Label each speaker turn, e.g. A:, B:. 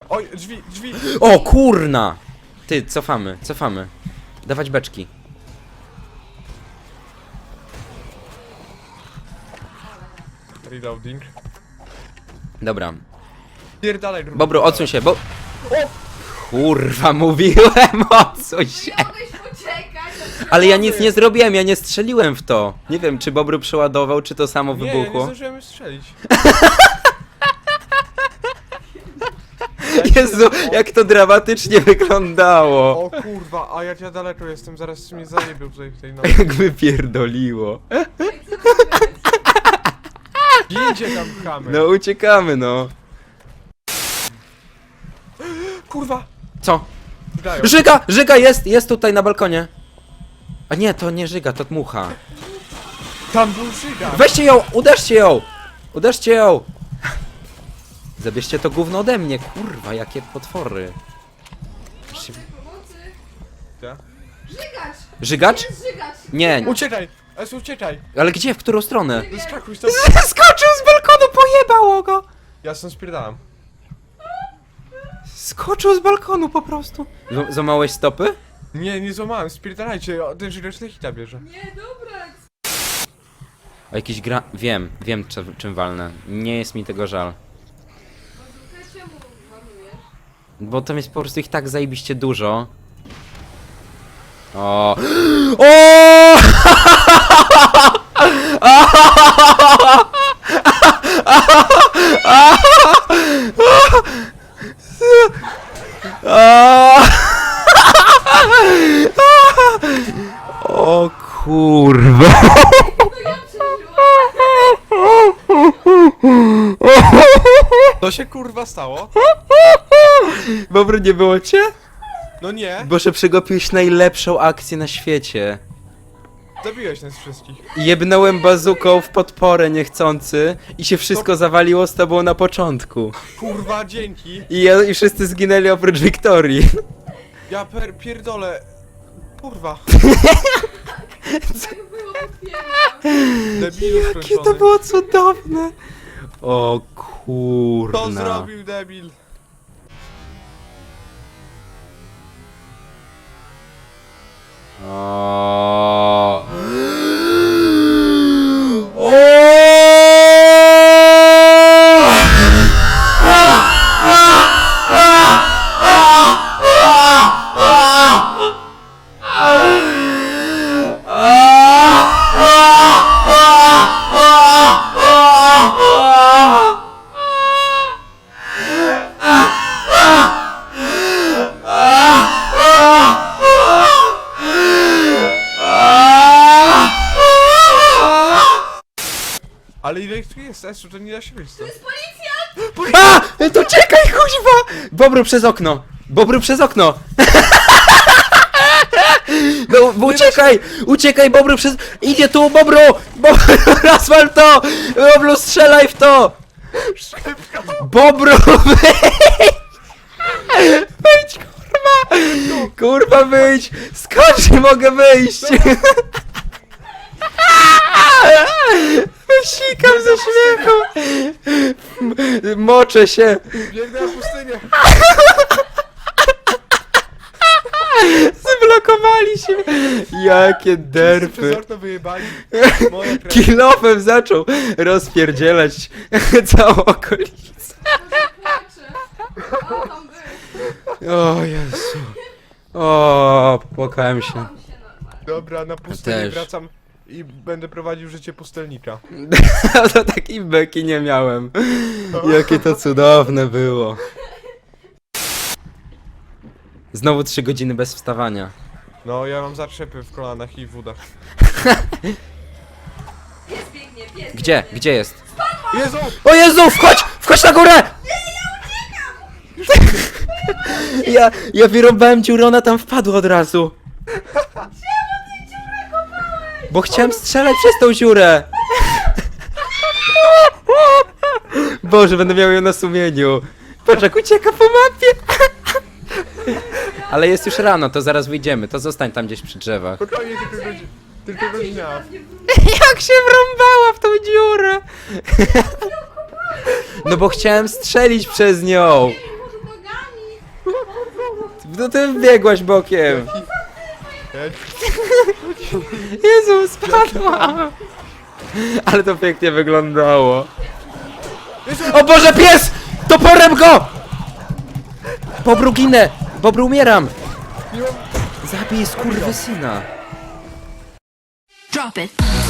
A: Oj, drzwi, drzwi!
B: O kurna! Ty, cofamy. Dawać beczki.
A: Reloading.
B: Dobra.
A: Pierdalaj, grubo.
B: Bobru, odsuń się, bo... Kurwa, mówiłem, odsuń się!
C: Nie mogłeś uciekać.
B: Ale ja nic nie zrobiłem, ja nie strzeliłem w to. Nie wiem, czy Bobru przeładował, czy to samo
A: Nie, nie
B: wybuchło.
A: zdążyłem strzelić.
B: Jezu, jak to dramatycznie wyglądało.
A: O kurwa, a ja daleko jestem, zaraz mnie zajebił tutaj w tej nocy.
B: Jak wypierdoliło.
A: Jedzie tam chamy.
B: No uciekamy, no.
A: Kurwa!
B: Co?
A: Dają.
B: Żyga jest tutaj na balkonie. A nie, to nie Żyga, to Dmucha.
A: Tam był Żyga!
B: Weźcie ją, uderzcie ją. Zabierzcie to gówno ode mnie, kurwa, jakie potwory.
C: Pomocy.
A: Ja?
C: Żygać.
B: Żygacz?
C: Jest żygać.
B: Nie,
A: Uciekaj! Es, uciekaj!
B: ale gdzie, w którą stronę?
A: Zeskakuj stąd!
B: Skoczył z balkonu, pojebało go!
A: Ja stąd spierdalam.
B: Skoczył z balkonu po prostu. Złamałeś stopy?
A: Nie, nie złamałem, spierdalajcie, ten Żyga hita bierze.
C: Nie, dobra.
B: O jakiś Wiem czym walnę. Nie jest mi tego żal.
C: Bazooka, czemu marnujesz?
B: Bo tam jest po prostu ich tak zajebiście dużo. O! O! O kurwa!
C: No ja przeżyłam.
A: To się kurwa stało?
B: Bobry, nie było cię?
A: No nie,
B: Boże, przegapiłeś najlepszą akcję na świecie.
A: zabiłeś nas wszystkich.
B: Jebnąłem bazuką w podporę niechcący i się wszystko zawaliło z tobą na początku.
A: Kurwa, dzięki.
B: I wszyscy zginęli oprócz Wiktorii.
A: Ja pierdolę. Kurwa.
C: Tak było, potwierdzam.
A: Debilu
B: Jakie to
A: skończony.
B: było cudowne. O
A: To
B: kurna.
A: zrobił debil.
B: O. O.
A: Ale ile ich tu jest, Esu, to nie da się wyjść stąd.
C: To jest policja!
B: A! To czekaj, kuźwa! Bobru przez okno! Bobru przez okno! No, bo uciekaj, Bobru przez... Idzie tu, Bobru! Bobru, rozwal to! Bobru, strzelaj w to! Bobru, wyjdź, kurwa! Kurwa, wyjdź! Skocz, nie mogę wyjść! Sikam ze śmiechu! Moczę się!
A: Biegnę na pustynię.
B: Zablokowali się! Jakie
A: Przez
B: derpy!
A: okno wyjebali. Moja krew.
B: Kilofem zaczął rozpierdzielać całą okolicę.
C: Płaczę. O, tam był.
B: O Jezu. O, popłakałem się.
C: Chowam się normalnie.
A: Dobra, na pustynię
B: też.
A: wracam i będę prowadził życie pustelnika.
B: To takiej beki nie miałem. Jakie to cudowne było. Znowu 3 godziny bez wstawania.
A: No, ja mam zatrzepy w kolanach i w udach.
C: Pies biegnie, pies
B: Gdzie?
C: biegnie.
B: Gdzie jest?
A: Jezu!
B: O Jezu, wchodź! Wchodź na górę! Ja wyrąbałem dziurę, ona tam wpadła od razu. Bo chciałem strzelać przez tą dziurę. Boże, będę miał ją na sumieniu. Patrz, jak ucieka po mapie. Ale jest już rano, to zaraz wyjdziemy. To zostań tam gdzieś przy drzewach.
A: Spokojnie, tylko godzinę.
B: Jak się wrąbała w tą dziurę. No bo chciałem strzelić przez nią.
C: Może nogami
B: No ty biegłaś bokiem. Jezu, spadła. Ale to pięknie wyglądało. O Boże, pies! Toporem go! Bobru ginę! Bobru umieram! Zabij skurwysyna.
D: Drop it.